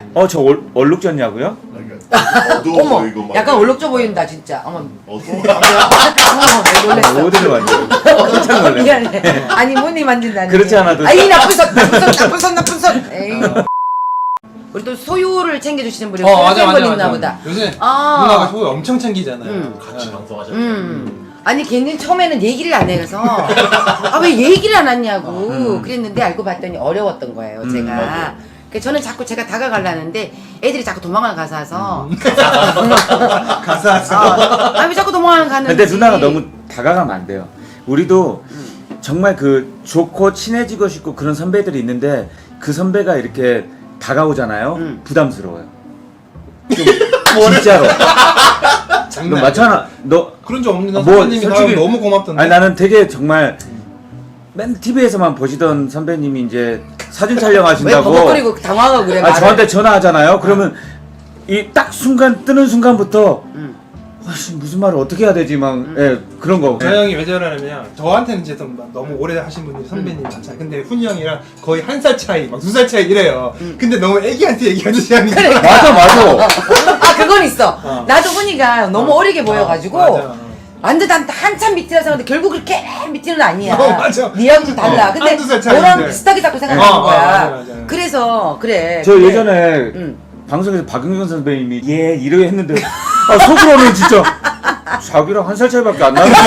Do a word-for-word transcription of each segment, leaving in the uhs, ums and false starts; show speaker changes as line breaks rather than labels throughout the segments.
어, 저 얼, 얼룩졌냐고요?
어두워
어머,
보이고 막.
약간 얼룩져 보인다 진짜. 어머,
어두워.
어머, 놀랬어.
어디를 만져? 깜짝 놀래.
미안해. 아니 문이 만진다니.
그렇지 않아도-
아이 나쁜 손, 나쁜 손, 나쁜 손, 나쁜 손. 에이. 우리 또 소유를 챙겨주시는 분이
어 맞아
분
맞아
있나
맞아.
보다.
요새
아.
누나가 소유 엄청 챙기잖아요.
음.
같이
네.
방송하셨죠.
음. 아니 걔는 처음에는 얘기를 안 해서 아 왜 얘기를 안 하냐고 그랬는데 알고 봤더니 어려웠던 거예요.
음,
제가.
맞아요.
그 저는 자꾸 제가 다가가려는데 애들이 자꾸 도망을 가서
가사서.
어, 아니 자꾸 도망을 가는지.
근데 누나가 너무 다가가면 안 돼요. 우리도 정말 그 좋고 친해지고 싶고 그런 선배들이 있는데 그 선배가 이렇게 다가오잖아요.
음.
부담스러워요. 좀 진짜로. 너
장난.
맞잖아. 너
그런 적 없는데
아, 뭐,
선배님이
솔직히-
나 너무 고맙던데.
아니 나는 되게 정말 맨 티비에서만 보시던 선배님이 이제 사진
왜
촬영하신다고
버벅거리고 당황하고 그래.
아,
말을.
저한테 전화하잖아요. 그러면 이 딱 순간 뜨는 순간부터
음.
아씨 무슨 말을 어떻게 해야 되지 막 예, 그런 거.
저 형이 왜 저러냐면 저한테는 이제 좀 너무 오래 하신 분들이 선배님 많잖아요. 근데 훈이 형이랑 거의 한 살 차이, 막 두 살 차이 이래요. 근데 너무 애기한테 얘기하듯이 하니까.
그래.
맞아 맞아.
아 그건 있어.
어.
나도 훈이가 너무 어. 리게 보여가지고
맞아.
완전 난 한참 밑이라서 근데 결국 그렇게 밑이는 아니야.
어, 맞아.
니하고 좀 달라.
어,
근데
한두 살 차이인데.
너랑 비슷하게 자꾸 생각하는
어,
거야.
어, 맞아, 맞아.
그래서 그래.
저
근데-
예전에
응.
방송에서 박은경 선배님이 예 이러게 했는데 아, 속으로는 진짜 자기랑 한 살 차이밖에 안 나는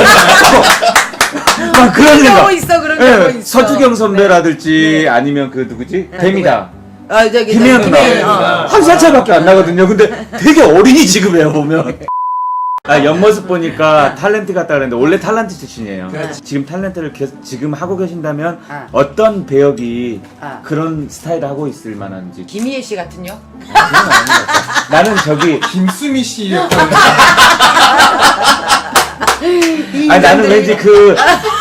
막 그런
그런 경우
생각.
있어 그런
예,
경우 있어.
서주경 선배라든지
네.
아니면 그 누구지
네,
뱀이다.
아 저기
김혜연
저기
누나
김혜연, 어.
한 살 차이밖에 안 나거든요. 근데 되게 어린이 지급해요 보면. 아 옆모습 보니까 탤런트 같다 그랬는데 원래 탤런트 출신이에요.
그렇지.
지금 탤런트를 계- 지금 하고 계신다면
아.
어떤 배역이
아.
그런 스타일을 하고 있을 만한지.
김희애 씨 같은요?
그건 아닌 것 같아요. 나는 저기
김수미 씨
아니 나는 왠지 그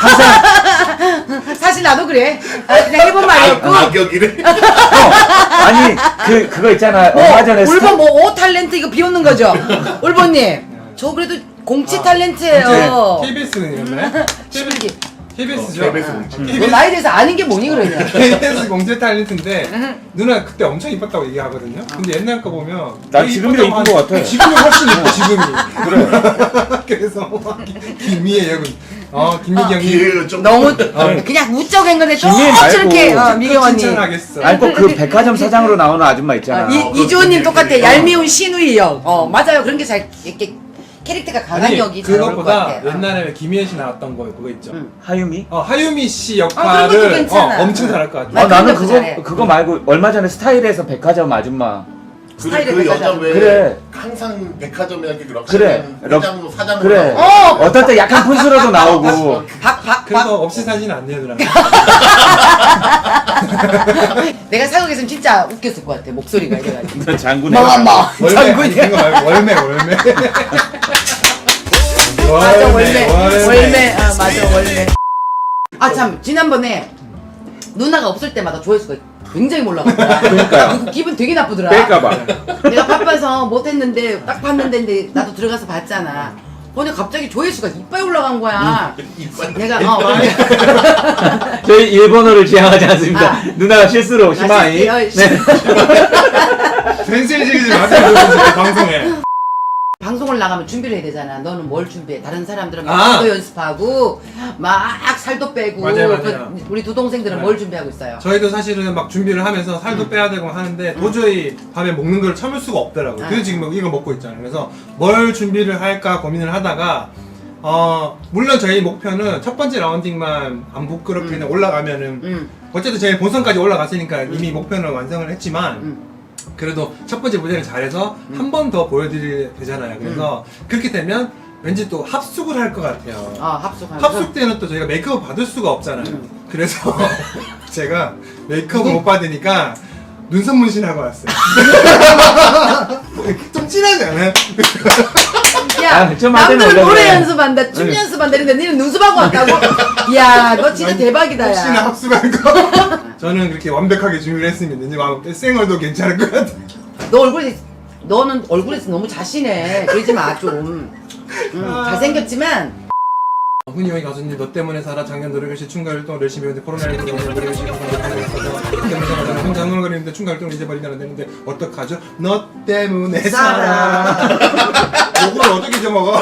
항상
사실 나도 그래. 아, 그냥 해본 말이었고.
악역이래.
어, 아니 그 그거 있잖아 얼마 전에
울본
스타-
뭐오 탤런트 이거 비웃는 거죠? 울본님. 저 그래도 공치 탤런트예요.
케이비에스였나요?
시불기.
케이비에스죠.
케이비에스 공채.
너 나에 대해서 아는 게 뭐니 그러냐?
케이비에스 공채 탤런트인데 누나 그때 엄청 이뻤다고 얘기하거든요. 근데 옛날 거 보면
난
되게
지금이 더
이뻤다고
이쁜 것
하는데
같아.
지금이 훨씬 이뻐 지금이.
그래.
그래서 막 김미애 여군. 어 김미경 형님.
기회가 좀
너무 그냥 우쩍한 건데 좀
김희애 말고
저렇게 어, 미경 언니.
칭찬하겠어.
아니 꼭 그 백화점 사장으로 나오는 아줌마 있잖아.
아, 이, 이주호님 똑같아. 얄미운 신우이 역. 어 맞아요. 그런 게 잘 이렇게 캐릭터가 강한
아니
역이 잘 나올 것
그것보다
같아. 어.
옛날에 왜 김희애 씨 나왔던 거 그거 있죠.
응.
하유미?
어 하유미 씨
아, 그런
역할을
것도
어,
괜찮아.
엄청 잘할 것 같아.
나
아 나는
그런 거
그거
잘해.
그거 말고 얼마 전에 스타일에서 백화점 아줌마.
그,
스타일의
그 여자
백화점.
왜
그래.
항상 백화점이나 그 럭셔리
그래.
회장 사장으로
그래.
나오고.
어!
어떨 때 약간 푼수로도 나오고.
박, 박,
그래서
박.
없이 사진 안 내더라.
내가 사극에서는 진짜 웃겼을 것 같아. 목소리가 이래가지고.
장군의.
마마.
월매 아니 그거 말고 월매 월매.
맞아 월매. 월매. 아 맞아 월매. 아 참 지난번에 누나가 없을 때마다 조회수가 굉장히 올라갔더라.
그러니까요.
그거 기분 되게 나쁘더라.
뺄까봐.
내가 바빠서 못했는데 딱 봤는데 근데 나도 들어가서 봤잖아. 근데 갑자기 조회수가 이빨 올라간 거야.
이빨.
내가 어
저희 일본어를 지향하지 않습니다.
아.
누나가 실수로 시마이.
아,
네.
실수.
펜슬 지르지 마세요 여러분, 방송에.
방송을 나가면 준비를 해야 되잖아. 너는 뭘 준비해? 다른 사람들은
아.
막 도 연습하고 막 살도 빼고
맞아요, 맞아요.
그 우리 두 동생들은
네.
뭘 준비하고 있어요?
저희도 사실은 막 준비를 하면서 살도 빼야 되고 하는데 도저히 밤에 먹는 걸 참을 수가 없더라고요.
아.
그래서 지금 이거 먹고 있잖아요. 그래서 뭘 준비를 할까 고민을 하다가 어 물론 저희 목표는 첫 번째 라운딩만 안 부끄럽게 그냥 올라가면은
음.
어쨌든 저희 본선까지 올라갔으니까 이미 목표는 완성을 했지만
음.
그래도 첫 번째 무대를 잘해서 한 번 더 보여드려야 되잖아요. 그래서 그렇게 되면 왠지 또 합숙을 할 것 같아요.
아 합숙하면서
합숙 때는 또 저희가 메이크업 받을 수가 없잖아요.
음.
그래서 제가 메이크업을 못 받으니까 눈썹 문신하고 왔어요. 좀 진하지 않아요?
야
아, 좀 하자면
남들
원래
노래
그래.
연습한다 춤
응.
연습한다 이랬는데 니는 눈썹하고 왔다고? 이야 너 진짜 대박이다
혹시나
야.
합숙한 거? 저는 그렇게 완벽하게 준비를 했습니다. 이제 막 쌩얼도 괜찮을 것 같아요.
너 얼굴이 너는 얼굴에서 너무 자신해. 그러지 마 좀. 음,
아.
잘생겼지만
훈이 형이 가수님 너 때문에 살아 작년 노래교실 춤가 활동을 열심히 했는데 코로나십구 때문에 노래교실 활동을 못하고 있어서 때문에 혼자 흥얼거리는데 대충 갈등을 잊어버리면 안 되는데 어떡하죠? 너 때문에
살아.
살아. 요걸 어떻게 잊어먹어?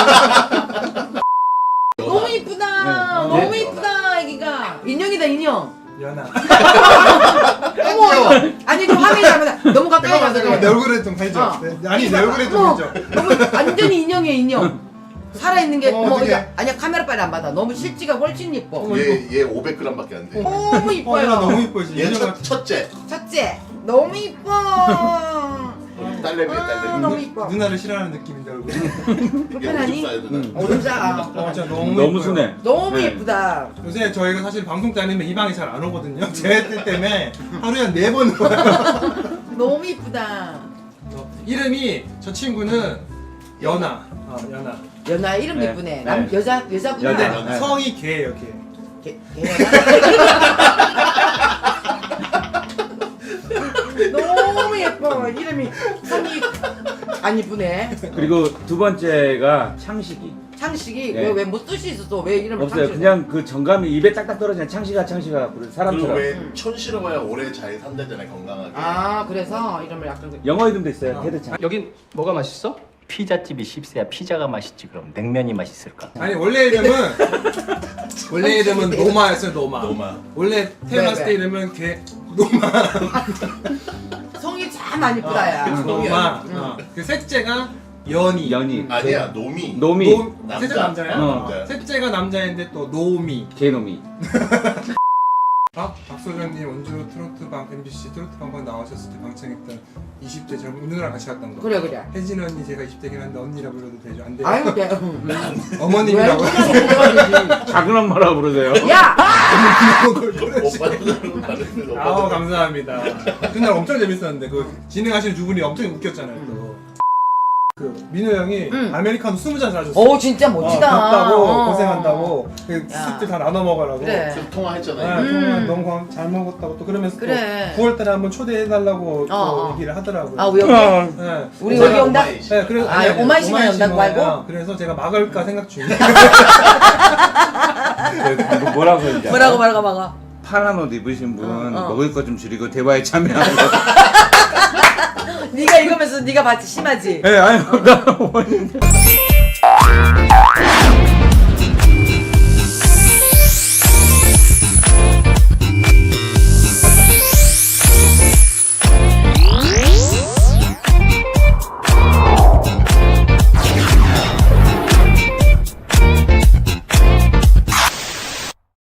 너무 이쁘다.
네.
너무
네.
이쁘다 애기가. 인형이다 인형.
연아.
어머 이거. 아니 좀 화면이 잘못. 너무 가까이 가서
내
그래.
얼굴에 좀 해줘.
어.
네, 아니 내 얼굴에 좀
어머,
해줘.
너무 완전히 인형이야 인형. 살아있는 게
어,
어머
어떡해.
이거 아니야 카메라 빨리 안 받아. 너무 실지가 훨씬 이뻐.
얘얘 오백 그램밖에 안 돼.
너무
어,
이뻐요.
연아 너무 이뻐지.
얘
인형
첫,
같아.
첫째.
첫째 너무 이뻐.
딸내미
아,
딸내미.
너무 이뻐.
누나를 싫어하는 느낌인데 얼굴.
불편하니?
음.
오름자.
어, 진짜 너무
너무
이뻐요.
순해.
너무
네.
예쁘다.
요새 저희가 사실 방송 때 아니면 이 방에 잘 안 오거든요. 제 때문에 하루에 한 네 번 와요.
너무 이쁘다.
어, 이름이 저 친구는 연아. 어, 연아.
연아 이름
네.
예쁘네. 남
네.
여자 여자구나.
근데
연아. 네.
성이 개예요, 개.
개, 개연아. 너무 예뻐. 이름이 성이 안 이쁘네.
그리고 두 번째가 창식이.
창식이
네.
왜왜뭐 뜻이 있었어? 왜 이름을
없어요.
창식?
그냥 그 정감이 입에 딱딱 떨어지는 창식아 창식아 부르는
그리고
사람처럼.
왜 촌스러워야 오래 잘 산다잖아요 건강하게.
아 그래서 이름을 약간 그-
영어 이름도 있어요. 테드창.
여긴 뭐가 맛있어? 피자집이 십세야 피자가 맛있지 그럼 냉면이 맛있을까?
아니 원래 이름은 원래 이름은 노마였어요, 노마.
노마.
원래 태어났을
네,
때
네.
이름은 개 노마.
성이 참 안 이쁘다야.
그래서 노마. 어. 그 셋째가 연이.
연이.
아니야 노미.
노미.
노,
남자.
셋째가 남자야?
어.
남자.
셋째가 남자인데 또 노미.
개놈이.
아, 박소장님 원주 트로트 방 엠비씨 트로트 방방 나오셨을 때 방청했던 이십 대 젊은 누나랑 같이 갔던 거.
그래 그래.
혜진 언니 제가 이십 대긴 한데 언니라 불러도 되죠? 안 돼요?
아유 돼.
어머님이라고.
작은 엄마라고 부르세요.
야.
오빠는 다른데
아우 감사합니다. 그날 엄청 재밌었는데 그 진행하시는 두 분이 엄청 웃겼잖아요. 또. 그 민호 형이
응.
아메리카노 스무 잔 사줬어.
오 진짜 멋지다.
어, 덥다고
어.
고생한다고 그
야.
스틱들 다 나눠 먹으라고.
그래.
그
네,
통화했잖아요.
음.
정말 너무 감- 잘 먹었다고 또 그러면서
그래.
또 구월달에 한번 초대해달라고 또
어, 어.
얘기를 하더라고요.
아 우리 여기
네.
우리
제가-
여기 온다.
네, 그래서
아, 오마이시만 연다고
오마이시마예요.
말고?
그래서 제가 막을까 생각 중이에요.
그 뭐라고 했는지 알아요?
뭐라고 뭐라고 막아.
파란 옷 입으신 분
어, 어.
먹을 거 좀 줄이고 대화에 참여하는 거.
네가 읽으면서 네가 봤지 심하지.
예, 아니, 나